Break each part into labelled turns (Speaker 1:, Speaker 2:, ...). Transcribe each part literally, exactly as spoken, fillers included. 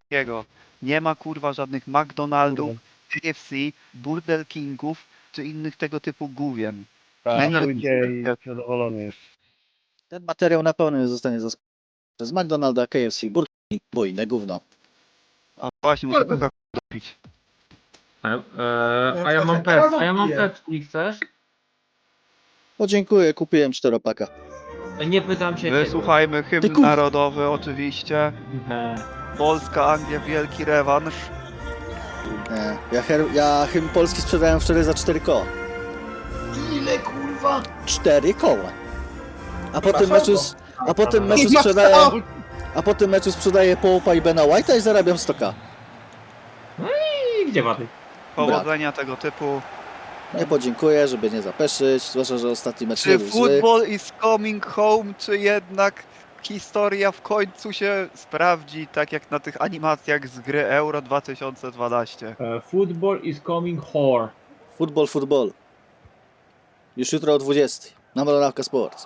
Speaker 1: takiego. Nie ma kurwa żadnych McDonaldów, K F C, Burger Kingów czy innych tego typu gówien.
Speaker 2: Tak,
Speaker 1: Menu-
Speaker 2: pójdzie i zadowolony jest.
Speaker 3: Ten materiał na pewno zostanie zaskoczony przez McDonalda, K F C, Burger King, bo inne gówno.
Speaker 1: A właśnie, muszę coca dopić.
Speaker 4: A, e, a ja mam pet, a ja mam Pepsi, chcesz?
Speaker 3: Podziękuję, kupiłem czteropaka.
Speaker 4: Nie pytam się ciebie.
Speaker 1: Wysłuchajmy
Speaker 3: Ty
Speaker 1: hymn
Speaker 3: kup-
Speaker 1: narodowy oczywiście.
Speaker 4: Nie.
Speaker 1: Polska, Anglia, wielki rewanż.
Speaker 3: Nie, ja, her, ja hymn polski sprzedałem wczoraj za cztery koła.
Speaker 5: Ile kurwa?
Speaker 3: cztery koła. A po
Speaker 5: Chyba
Speaker 3: tym meczu,
Speaker 5: słabo.
Speaker 3: s- a po tym
Speaker 5: Nie
Speaker 3: meczu
Speaker 5: ma
Speaker 3: sprzedaję,
Speaker 5: co.
Speaker 3: a po tym meczu sprzedaję Połpa i Bena White'a i zarabiam sto ka.
Speaker 4: I gdzie wady?
Speaker 1: Powodzenia tego typu.
Speaker 3: Nie podziękuję, żeby nie zapeszyć, zwłaszcza, że ostatni mecz nie
Speaker 1: Czy
Speaker 3: był zły.
Speaker 1: football is coming home, czy jednak historia w końcu się sprawdzi, tak jak na tych animacjach z gry Euro dwa tysiące dwanaście?
Speaker 4: E, football is coming whore.
Speaker 3: Football, football. Już jutro o dwudziestej. Na Moronawka Sports.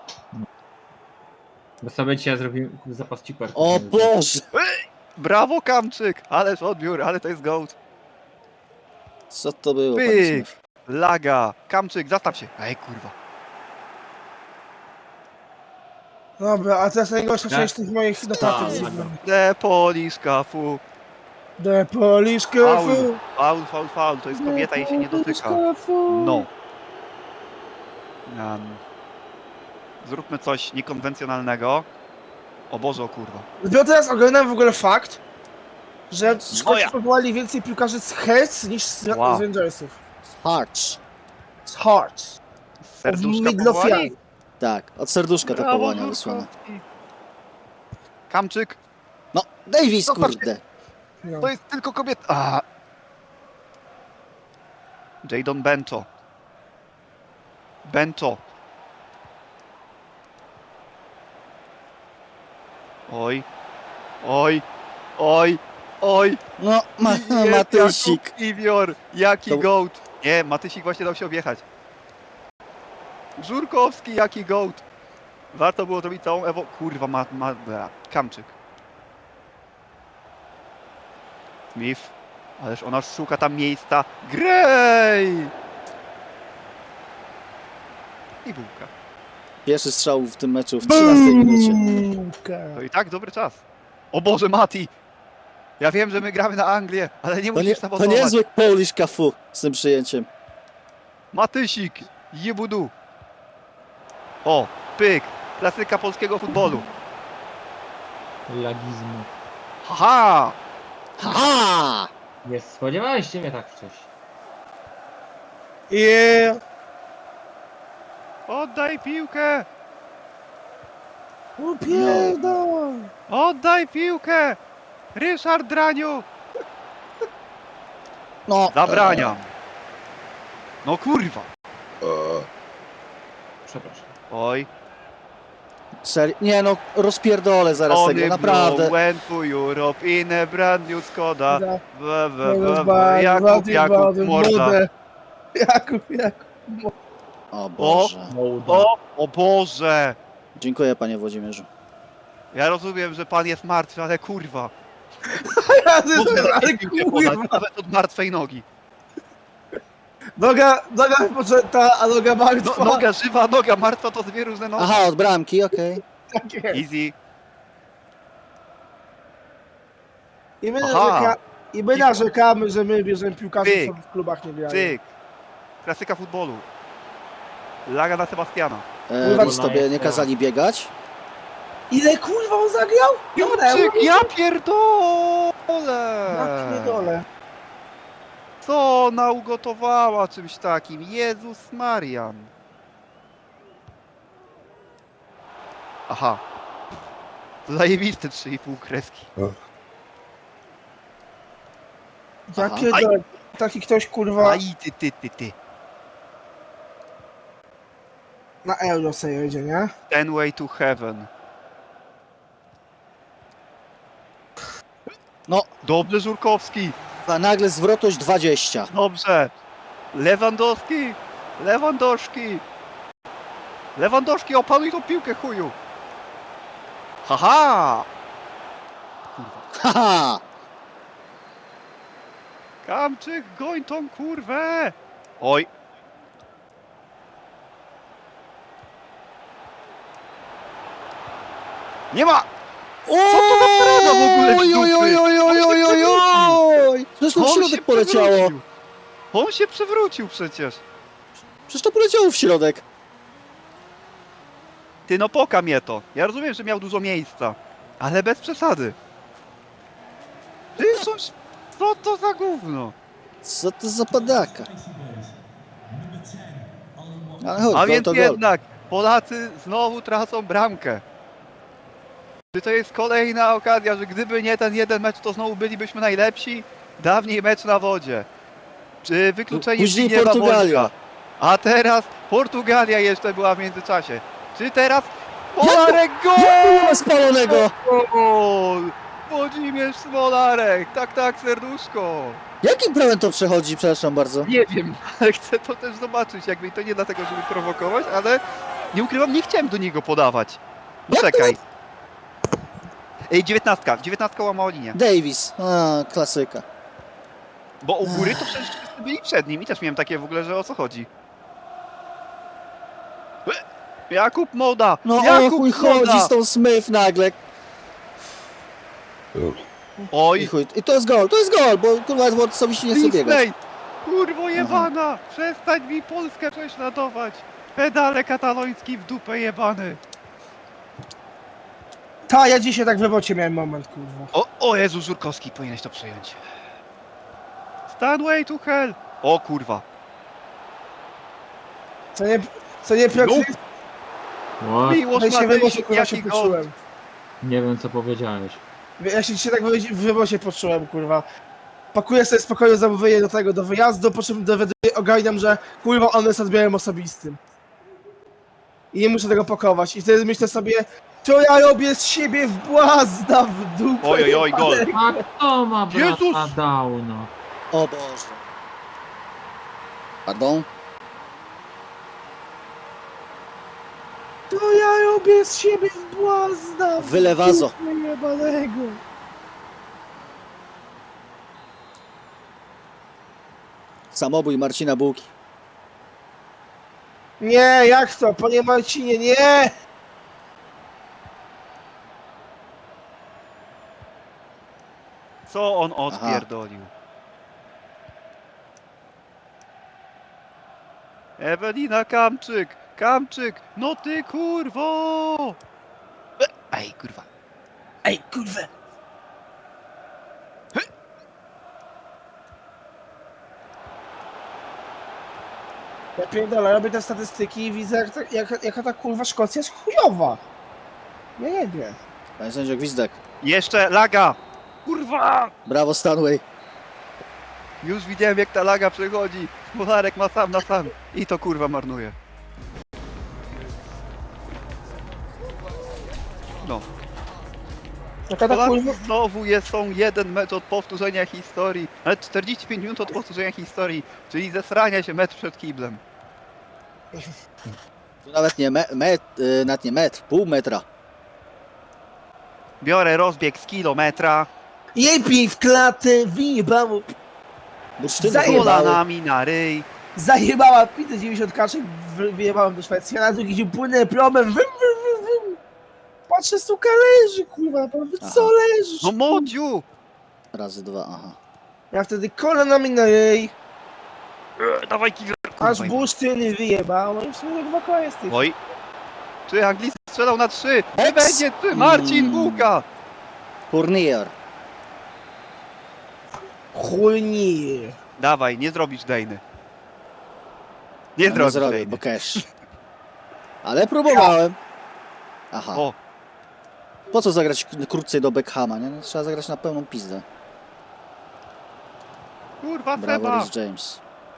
Speaker 4: Bo sobie dzisiaj zrobiłem zapas ciper.
Speaker 3: O Boże!
Speaker 1: Brawo Kamczyk! Ależ odbiór, ale to jest gołd.
Speaker 3: Co to było, panie
Speaker 1: Pyk!
Speaker 3: Smith?
Speaker 1: Laga! Kamczyk, zastaw się! Ej kurwa.
Speaker 5: Dobra, a teraz najgorsza
Speaker 4: Tak.
Speaker 5: część tych moich notatek.
Speaker 4: Tak, tak.
Speaker 1: The Polish kafu.
Speaker 5: The Polish
Speaker 1: Faul,
Speaker 5: Cafu.
Speaker 1: faul, faul, faul. To jest kobieta i się nie dotyka. No. Um, zróbmy coś niekonwencjonalnego. O Boże, o kurwa.
Speaker 5: Dopiero teraz oglądam w ogóle fakt, że
Speaker 1: Moja.
Speaker 5: Szkoci powołali więcej piłkarzy z Hearts niż z,
Speaker 1: Wow.
Speaker 5: z Rangersów.
Speaker 3: Hearts.
Speaker 5: Z Hearts.
Speaker 1: Serduszka
Speaker 5: Midlothian.
Speaker 1: powoli.
Speaker 3: Tak, od serduszka te
Speaker 1: Brawo,
Speaker 3: powołania wysłane.
Speaker 1: Żurkowski. Kamczyk,
Speaker 3: No, Davis,
Speaker 1: Zostaw się.
Speaker 3: kurde.
Speaker 5: No.
Speaker 1: to jest tylko kobieta. A. Jadon Bento. Bento. Oj. Oj. Oj. Oj.
Speaker 3: No, ma,
Speaker 1: Je-
Speaker 3: Matysik.
Speaker 1: Jakub Iwior. Jaki
Speaker 3: To-
Speaker 1: gołd. Nie, Matysik właśnie dał się objechać. Żurkowski, jaki gołd. Warto było zrobić całą Ewo... Kurwa, ma... ma... bra. Kamczyk. Smith. Ależ ona szuka tam miejsca. Grej! I bułka.
Speaker 3: Pierwszy strzał w tym meczu w trzynastej minucie.
Speaker 5: Bułka.
Speaker 1: To i tak dobry czas. O Boże, Mati! Ja wiem, że my gramy na Anglię, ale nie
Speaker 3: To, nie,
Speaker 1: musisz
Speaker 3: to
Speaker 1: sabotować.
Speaker 3: niezły Polish kafu z tym przyjęciem.
Speaker 1: Matysik, jebudu. O, pyk. Klasyka polskiego futbolu.
Speaker 4: Lagizmu.
Speaker 1: Haha!
Speaker 3: Ha!
Speaker 4: Nie spodziewałeś się mnie tak wcześniej.
Speaker 5: Yeah.
Speaker 1: Oddaj piłkę!
Speaker 5: O pierdol.
Speaker 1: Oddaj piłkę! Ryszard Draniu!
Speaker 3: No,
Speaker 1: Zabraniam. No kurwa.
Speaker 4: Przepraszam.
Speaker 1: Oj.
Speaker 3: Serio? Nie no, rozpierdolę zaraz tego,
Speaker 1: Tony
Speaker 3: naprawdę.
Speaker 1: Blow went to Europe in a brand new Skoda.
Speaker 5: Da.
Speaker 1: We, we,
Speaker 5: No,
Speaker 1: we, we.
Speaker 5: bardzo,
Speaker 1: Jakub,
Speaker 5: bardzo,
Speaker 1: Jakub,
Speaker 5: bardzo
Speaker 1: morda.
Speaker 5: młode. Jakub, Jakub.
Speaker 3: O Boże.
Speaker 4: Mołda.
Speaker 1: O, o Boże!
Speaker 3: Dziękuję, panie Włodzimierzu.
Speaker 1: Ja rozumiem, że pan jest martwy, ale kurwa.
Speaker 5: Ja
Speaker 1: Mogę
Speaker 5: ale
Speaker 1: takiej piłkę podać,
Speaker 5: kurwa.
Speaker 1: nawet od martwej nogi.
Speaker 5: Noga, noga wypoczęta, a noga
Speaker 1: No,
Speaker 5: martwa.
Speaker 1: noga żywa, noga martwa to dwie różne nogi.
Speaker 3: Aha, od bramki, okej.
Speaker 5: Tak jest.
Speaker 1: Easy.
Speaker 5: I my,
Speaker 1: Aha.
Speaker 5: narzeka, I my narzekamy, że my bierzemy piłkarzy,
Speaker 1: Pyk.
Speaker 5: co w klubach nie grają.
Speaker 1: Cyk. Klasyka futbolu. Laga na Sebastiana.
Speaker 3: E,
Speaker 5: Kurwa,
Speaker 3: Nic tobie nie kazali biegać?
Speaker 5: Ile kurwa on zagrał?
Speaker 1: Jurczyk, ja pierdolę!
Speaker 5: Ja pierdolę.
Speaker 1: Co ona ugotowała czymś takim? Jezus Marian. Aha. Zajebiste trzy i pół kreski.
Speaker 5: Ja
Speaker 3: Aha.
Speaker 5: pierdolę. Taki ktoś kurwa
Speaker 1: Aj, ty, ty, ty, ty.
Speaker 5: na euro sobie jedzie, nie?
Speaker 1: Ten way to heaven.
Speaker 3: No.
Speaker 1: Dobrze, Żurkowski.
Speaker 3: A nagle zwrotność dwadzieścia.
Speaker 1: Dobrze. Lewandowski. Lewandowski. Lewandowski, opanuj tą piłkę, chuju. Haha. Kurwa.
Speaker 3: Haha!
Speaker 1: Kamczyk, goń tą kurwę! Oj. Nie ma!
Speaker 3: Co
Speaker 1: to za parada w ogóle z
Speaker 3: Oj, oj,
Speaker 1: dupy?
Speaker 3: oj, oj, oj, oj, oj! Zresztą w
Speaker 1: On się
Speaker 3: środek poleciało.
Speaker 1: przewrócił. On się przewrócił przecież.
Speaker 3: Przecież to poleciało w środek.
Speaker 1: Ty no poka mnie to. Ja rozumiem, że miał dużo miejsca. Ale bez przesady. Ty coś... Co to za gówno?
Speaker 3: Co to za padaka? Ale chodź,
Speaker 1: A
Speaker 3: gol
Speaker 1: więc
Speaker 3: to gol.
Speaker 1: jednak Polacy znowu tracą bramkę. Czy to jest kolejna okazja, że gdyby nie ten jeden mecz, to znowu bylibyśmy najlepsi? Dawniej mecz na wodzie. Czy wykluczenie
Speaker 3: Później
Speaker 1: Zbigniewa
Speaker 3: Portugalia.
Speaker 1: Bońka? A teraz Portugalia jeszcze była w międzyczasie. Czy teraz Smolarek gol!
Speaker 3: Spalonego!
Speaker 1: Gol! Włodzimierz Smolarek! Tak, tak, serduszko!
Speaker 3: Jakim prawem to przechodzi, przepraszam bardzo?
Speaker 1: Nie wiem, ale chcę to też zobaczyć. Jakby to nie dlatego, żeby prowokować, ale nie ukrywam, nie chciałem do niego podawać. No
Speaker 3: Jak to?
Speaker 1: czekaj. Ej, dziewiętnastka, dziewiętnastka łamała linię.
Speaker 3: Davis. A, klasyka.
Speaker 1: Bo u góry to przecież wszyscy byli przed nim i też miałem takie w ogóle, że o co chodzi. E, Jakub Moda!
Speaker 3: No o
Speaker 1: Jakub
Speaker 3: chuj chodzi
Speaker 1: Moda!
Speaker 3: z tą Smith nagle. I
Speaker 1: Oj,
Speaker 3: chuj. I to jest gol, to jest gol, bo kurwa Edward sobie się nie chce biegać.
Speaker 1: Disney! Kurwo jebana! Przestań mi Polskę prześladować! Pedale kataloński w dupę jebany!
Speaker 5: Ta, ja dzisiaj tak w robocie miałem moment, kurwa.
Speaker 1: O, o Jezu, Żurkowski, powinieneś to przyjąć. Stanway to hell! O kurwa.
Speaker 5: Co nie, co nie Piotr,
Speaker 4: What?
Speaker 1: Miłosz
Speaker 5: ja się w robocie,
Speaker 1: Matejczyk,
Speaker 5: kurwa, się
Speaker 1: jaki gol!
Speaker 5: poczułem.
Speaker 4: Nie wiem co powiedziałeś.
Speaker 5: Ja się dzisiaj tak w robocie poczułem, kurwa. Pakuję sobie spokojnie zamówienie do tego, do wyjazdu, po czym dowiaduję, ogarniam, że kurwa on jest odbiorem osobistym. I nie muszę tego pakować. I wtedy myślę sobie, to ja robię z siebie w błazna w dupę.
Speaker 1: Oj, oj, oj, gol!
Speaker 4: A kto ma brata
Speaker 1: Jezus!
Speaker 4: Downa?
Speaker 3: O Boże. Pardon?
Speaker 5: To ja robię z siebie w błazna w
Speaker 3: Wylewazo.
Speaker 5: dupę jebanego.
Speaker 3: Samobój Marcina Bułki.
Speaker 5: Nie, jak to? Panie Marcinie, nie!
Speaker 1: Co on odpierdolił? Ewelina Kamczyk! Kamczyk! No ty kurwo! E, Ej, kurwa.
Speaker 5: Ej, kurwa! Ja pierdolę, robię te statystyki i widzę, jak, ta- jak, jaka ta kurwa Szkocja jest chujowa. Ja nie wiem.
Speaker 3: Panie sędzio Gwizdek.
Speaker 1: Jeszcze laga! Kurwa!
Speaker 3: Brawo Stanway.
Speaker 1: Już widziałem jak ta laga przechodzi. Smolarek ma sam na sam. I to kurwa marnuje. No.
Speaker 5: Jaka ta
Speaker 1: Polacy
Speaker 5: kurwa...
Speaker 1: znowu jest, są jeden mecz od powtórzenia historii. Ale czterdzieści pięć minut od powtórzenia historii. Czyli zesrania się mecz przed kiblem.
Speaker 3: Tu nawet nie me, met, y, nawet nie metr, pół metra.
Speaker 1: Biorę rozbieg z kilometra.
Speaker 5: Jej pij w klatę, wyjebało,
Speaker 3: Bursztyny
Speaker 5: Zajebały.
Speaker 3: pojebały.
Speaker 1: Kolanami na ryj.
Speaker 5: zajebała pitę dziewięćdziesiąt kaczek, wy- wyjebałem do Szwecji, a na drugi dzień płynę promem, wym, wym, wym, wym. Patrzę, suka leży, kurwa, naprawdę, co
Speaker 3: Aha.
Speaker 5: leżysz?
Speaker 1: No modziu!
Speaker 3: Razy dwa, aha.
Speaker 5: Ja wtedy kolanami na jej,
Speaker 1: E, Dawaj kiwer.
Speaker 5: aż
Speaker 1: Kurwa,
Speaker 5: bursztyny wyjebało i w sumie dwa koła jest tych.
Speaker 1: Oj. Czy Anglicy strzelał na trzy? Nie
Speaker 3: Eks.
Speaker 1: będzie trzy. Marcin
Speaker 3: Mm.
Speaker 1: Bułka.
Speaker 3: Fournier.
Speaker 5: Chujnie.
Speaker 1: Dawaj, nie zrobisz Dejny. Nie
Speaker 3: Ja nie
Speaker 1: zrobisz
Speaker 3: zrobię,
Speaker 1: Dejny.
Speaker 3: bo cash. Ale próbowałem. Aha.
Speaker 1: O,
Speaker 3: Po co zagrać k- krócej do Beckhama, nie? No, trzeba zagrać na pełną pizdę.
Speaker 1: kurwa
Speaker 3: Brawo,
Speaker 1: Seba.
Speaker 3: Rhys James.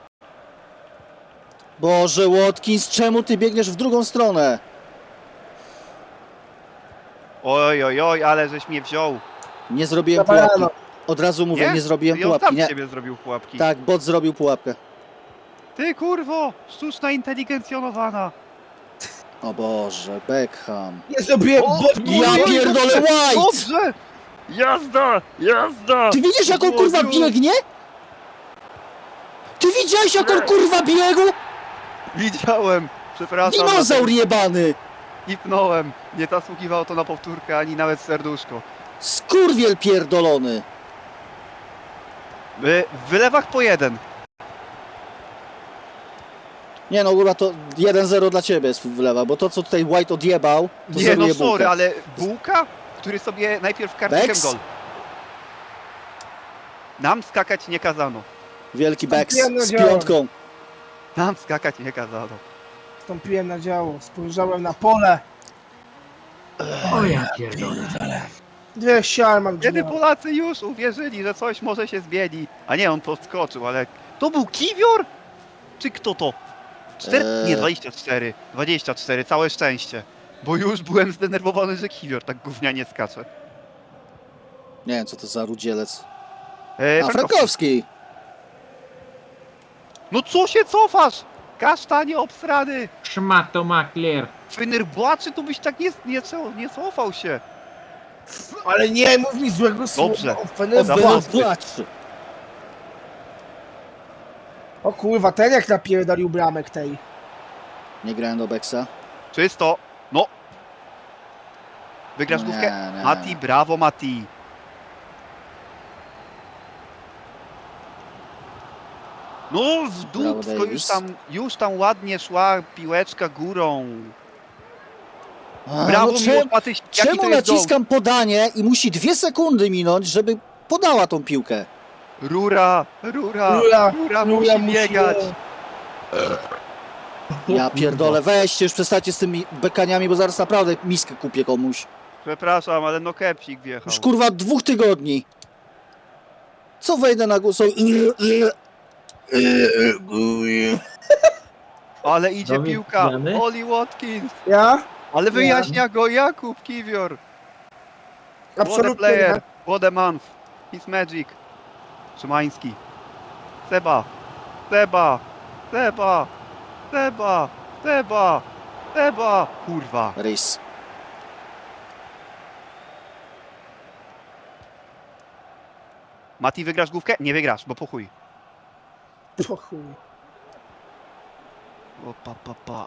Speaker 3: Boże, Watkins, czemu ty biegniesz w drugą stronę?
Speaker 1: Oj, oj, oj, ale żeś mnie wziął.
Speaker 3: Nie zrobiłem
Speaker 5: Zabarano.
Speaker 3: pułapki. Od razu mówię,
Speaker 1: Nie?
Speaker 3: nie, zrobiłem
Speaker 1: I on
Speaker 3: pułapki.
Speaker 1: tam
Speaker 3: Nie.
Speaker 1: z ciebie zrobił pułapki.
Speaker 3: Tak, bot zrobił pułapkę.
Speaker 1: Ty kurwo, sztuczna inteligencjonowana.
Speaker 3: O Boże, Beckham.
Speaker 5: Nie zrobiłem,
Speaker 1: O,
Speaker 5: bo...
Speaker 3: Ja
Speaker 1: oj, oj,
Speaker 3: pierdolę,
Speaker 1: dobrze,
Speaker 3: White!
Speaker 1: Dobrze! Jazda! Jazda!
Speaker 3: Ty widzisz, jak on
Speaker 1: Boziu.
Speaker 3: kurwa biegnie? Ty widziałeś jak on kurwa biegł?
Speaker 1: Widziałem! Przepraszam.
Speaker 3: Dinozaur jebany!
Speaker 1: Ipnąłem. Nie zasługiwało to na powtórkę, ani nawet serduszko.
Speaker 3: Skurwiel pierdolony!
Speaker 1: Wy- W wylewach po jeden.
Speaker 3: Nie no, kurwa, to jeden zero dla ciebie jest wlewa, bo to co tutaj White odjebał, to
Speaker 1: Nie
Speaker 3: zeruje
Speaker 1: no sorry,
Speaker 3: bułkę.
Speaker 1: ale Bułka, który sobie najpierw kartkiem
Speaker 3: Bex?
Speaker 1: gol. Nam skakać nie kazano.
Speaker 3: Wielki Bex
Speaker 5: Wstąpiłem na
Speaker 3: z
Speaker 5: działo.
Speaker 3: piątką.
Speaker 1: Nam skakać nie kazano.
Speaker 5: Wstąpiłem na działo, spojrzałem na pole.
Speaker 4: O ja pierdolę.
Speaker 5: Dwie ściany mam
Speaker 1: Kiedy
Speaker 5: gdzieś.
Speaker 1: Polacy już uwierzyli, że coś może się zmieni. A nie, on podskoczył, ale... To był Kiwior? Czy kto to? Cztery...
Speaker 3: Eee.
Speaker 1: Nie, dwadzieścia cztery. dwadzieścia cztery, całe szczęście. Bo już byłem zdenerwowany, że Kiwior tak gównianie skacze.
Speaker 3: Nie wiem co to za rudzielec.
Speaker 1: Eee,
Speaker 3: A,
Speaker 1: Frankowski.
Speaker 3: Frankowski!
Speaker 1: No co się cofasz? Kasztanie obsrany!
Speaker 4: Szmato makler.
Speaker 1: Fenerbahce to byś tak nie, nie, nie cofał się.
Speaker 5: Ale nie mów mi złego słowa.
Speaker 1: Dobrze.
Speaker 5: O, Fenerbahce.
Speaker 1: Zawodny.
Speaker 3: Płacz!
Speaker 5: O kurwa, ten jak napierdolił bramek tej.
Speaker 3: Nie grałem do Bexa.
Speaker 1: Czysto. No. Wygrasz
Speaker 3: Nie,
Speaker 1: główkę?
Speaker 3: nie.
Speaker 1: Mati, brawo Mati. No w dupsko
Speaker 3: Davis.
Speaker 1: już tam, już tam ładnie szła piłeczka górą.
Speaker 3: A,
Speaker 1: Brawo
Speaker 3: no
Speaker 1: Miłosz
Speaker 3: czemu,
Speaker 1: Matyś, jaki
Speaker 3: czemu
Speaker 1: to jest gol?
Speaker 3: naciskam podanie i musi dwie sekundy minąć, żeby podała tą piłkę?
Speaker 1: Rura, rura,
Speaker 5: Rura,
Speaker 1: rura
Speaker 5: Rura
Speaker 1: musi
Speaker 5: musi-
Speaker 1: biegać.
Speaker 3: Ja pierdolę, weźcie już przestańcie z tymi bekaniami, bo zaraz naprawdę miskę kupię komuś.
Speaker 1: Przepraszam, ale no kepsik wjechał.
Speaker 3: Już kurwa dwóch tygodni. Co wejdę na głos?
Speaker 1: Ale idzie
Speaker 4: Dawid,
Speaker 1: piłka.
Speaker 4: zmiany?
Speaker 1: Oli Watkins.
Speaker 5: Ja?
Speaker 1: Ale wyjaśnia go Jakub Kiwior. What a
Speaker 5: Absolutnie
Speaker 1: player.
Speaker 5: nie.
Speaker 1: What a month. His magic. Szymański. Seba. Seba. Seba. Seba. Seba. Seba. Kurwa.
Speaker 3: Rys.
Speaker 1: Mati, wygrasz główkę? Nie wygrasz, bo po chuj.
Speaker 5: Po chuj.
Speaker 1: O pa pa pa.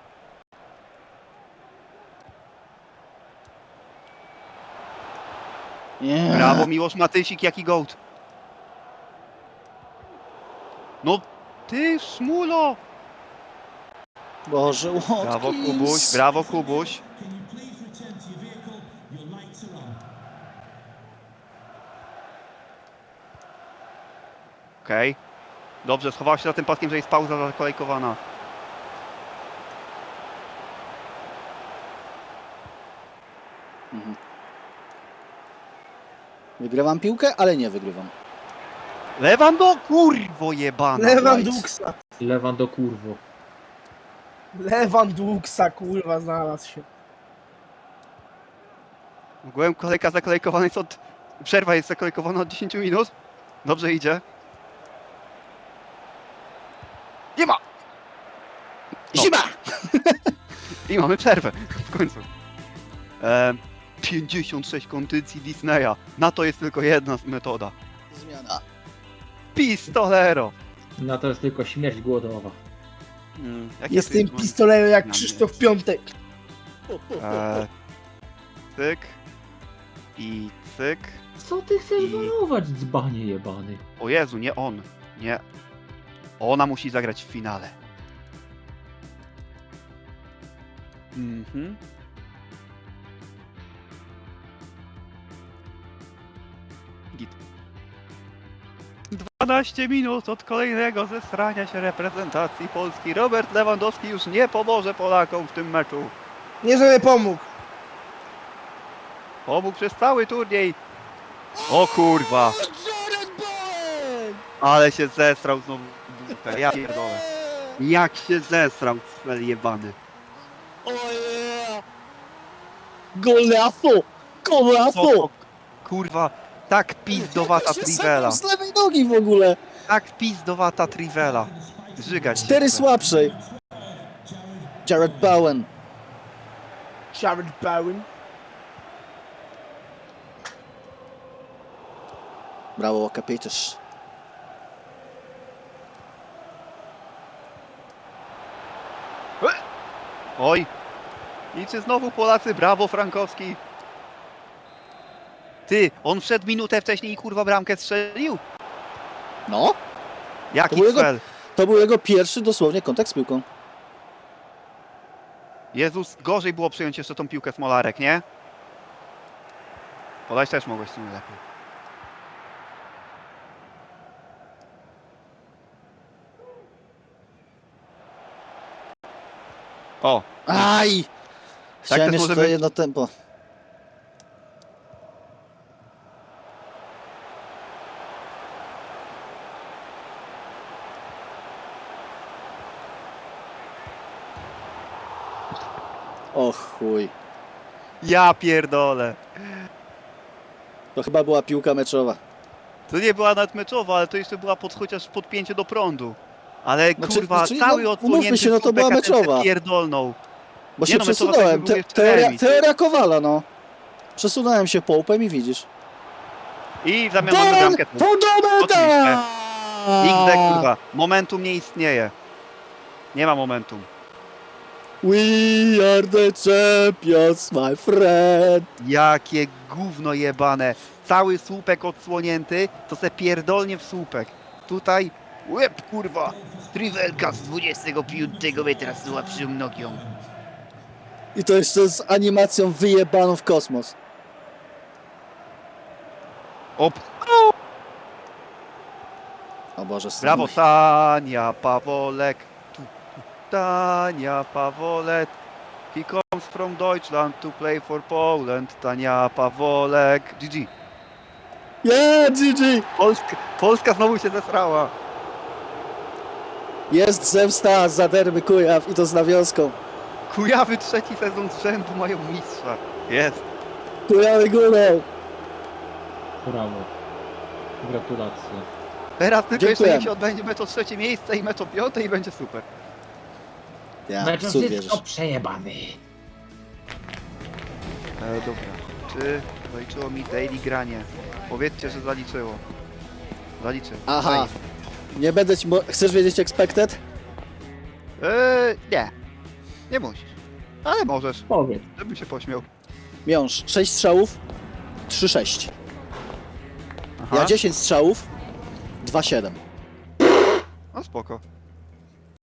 Speaker 3: Nie.
Speaker 1: Brawo Miłosz Matysik, jaki gołd. No ty szmulo.
Speaker 3: Boże, Watkins.
Speaker 1: Brawo Kubuś, brawo Kubuś. Okej. Dobrze, schował się za tym paskiem, że jest pauza zakolejkowana.
Speaker 3: Mhm. Wygrywam piłkę, ale nie wygrywam.
Speaker 1: Lewando, kurwo jebana.
Speaker 5: Lewanduksa.
Speaker 4: Lewan do kurwo.
Speaker 5: Lewanduksa, kurwa, znalazł się.
Speaker 1: Ogółem kolejka zakolejkowana jest od... Przerwa jest zakolejkowana od dziesięciu minut. Dobrze idzie. Nie ma! No.
Speaker 3: Zima!
Speaker 1: I mamy przerwę. W końcu. E, pięćdziesiąt sześć kondycji Disneya. Na to jest tylko jedna metoda.
Speaker 3: Zmiana.
Speaker 1: Pistolero!
Speaker 4: Na to jest tylko śmierć głodowa.
Speaker 1: Mm, jakie tu
Speaker 5: Jestem
Speaker 1: jest moje-
Speaker 5: pistolerem jak
Speaker 1: na
Speaker 5: Krzysztof
Speaker 1: mnie?
Speaker 5: Piątek.
Speaker 1: E, cyk. I cyk.
Speaker 4: Co ty chcesz
Speaker 1: I-
Speaker 4: walować, dzbanie jebany?
Speaker 1: O Jezu, nie on. Nie. Ona musi zagrać w finale. Mhm. Git. dwanaście minut od kolejnego zesrania się reprezentacji Polski. Robert Lewandowski już nie pomoże Polakom w tym meczu.
Speaker 5: Nie, żeby pomógł.
Speaker 1: Pomógł przez cały turniej. O kurwa. Ale się zesrał znowu. w dupę. Ja pierdolę. Jak się zesrał, cel jebany.
Speaker 3: Ojej! Golazo!
Speaker 1: Co
Speaker 3: Golazo!
Speaker 1: to, kurwa, tak pizdowata Trivela.
Speaker 3: Z lewej nogi w ogóle!
Speaker 1: Tak pizdowata Trivela. Żygać się
Speaker 3: Cztery
Speaker 1: chce.
Speaker 3: słabszej. Jared Bowen.
Speaker 5: Jared Bowen.
Speaker 3: Brawo, Łakapiteż.
Speaker 1: Oj. I czy znowu Polacy? Brawo, Frankowski. Ty, on wszedł minutę wcześniej i kurwa bramkę strzelił?
Speaker 3: No,
Speaker 1: Jaki
Speaker 3: To był jego-
Speaker 1: cel?
Speaker 3: to był jego pierwszy dosłownie kontakt z piłką.
Speaker 1: Jezus, gorzej było przyjąć jeszcze tą piłkę Smolarek, nie? Podać też mogłeś w sumie lepiej. O,
Speaker 3: Aj! Chciałem
Speaker 1: też
Speaker 3: jeszcze
Speaker 1: może
Speaker 3: to
Speaker 1: być.
Speaker 3: jedno tempo. O chuj.
Speaker 1: ja pierdolę.
Speaker 3: To chyba była piłka meczowa.
Speaker 1: To nie była nawet meczowa, ale to jeszcze była pod, chociaż podpięcie do prądu. Ale
Speaker 3: Znaczy-
Speaker 1: kurwa,
Speaker 3: znaczy,
Speaker 1: cały
Speaker 3: no,
Speaker 1: odsłonięty
Speaker 3: umówmy się, no to
Speaker 1: słupek,
Speaker 3: była
Speaker 1: a ten
Speaker 3: meczowa.
Speaker 1: se pierdolnął.
Speaker 3: Bo
Speaker 1: Nie
Speaker 3: się
Speaker 1: no, meczowa
Speaker 3: przesunąłem.
Speaker 1: to
Speaker 3: Te,
Speaker 1: był jeszcze
Speaker 3: teoria,
Speaker 1: remis.
Speaker 3: teoria Kowala, no. Przesunąłem się połupem i widzisz.
Speaker 1: I w zamian mamy
Speaker 3: Ten!
Speaker 1: bramkę.
Speaker 3: Fundamenta!
Speaker 1: X D kurwa, momentum nie istnieje. Nie ma momentum.
Speaker 3: We are the champions, my friend.
Speaker 1: Jakie gówno jebane. Cały słupek odsłonięty, to se pierdolnie w słupek. Tutaj łeb kurwa. Trivelka z dwudziestego piątego metra z słabszą nogą.
Speaker 3: I to jeszcze z animacją wyjebaną w kosmos.
Speaker 1: Op.
Speaker 3: O Boże,
Speaker 1: Brawo
Speaker 3: synu.
Speaker 1: Tania Pawolek. Tu, tu, Tania Pawolek. He comes from Deutschland to play for Poland. Tania Pawolek. G G.
Speaker 3: Yeah, G G!
Speaker 1: Polska, Polska znowu się zesrała.
Speaker 3: Jest zemsta za derby Kujaw i to z nawiązką.
Speaker 1: Kujawy trzeci sezon z rzędu mają mistrza. Jest.
Speaker 3: Kujawy górą.
Speaker 4: Brawo. Gratulacje.
Speaker 1: Teraz tylko jeszcze
Speaker 3: Dziękuję.
Speaker 1: niech się odbędzie mecz o trzecie miejsce i mecz o piąte i będzie super.
Speaker 3: Ja,
Speaker 4: Mecz
Speaker 3: w cud
Speaker 4: jest
Speaker 3: wierzysz.
Speaker 4: przejebany.
Speaker 1: E, dobra. Czy zaliczyło mi daily granie? Powiedzcie, że zaliczyło. Zaliczyło.
Speaker 3: Aha.
Speaker 1: Fajnie.
Speaker 3: Nie będę ci... Mo- Chcesz wiedzieć expected?
Speaker 1: E, nie. Nie musisz. Ale możesz,
Speaker 4: Powiedz.
Speaker 1: żebym się pośmiał.
Speaker 3: Miąż, sześć strzałów, trzy sześć.
Speaker 1: Aha.
Speaker 3: Ja dziesięć strzałów, dwa siedem.
Speaker 1: No spoko.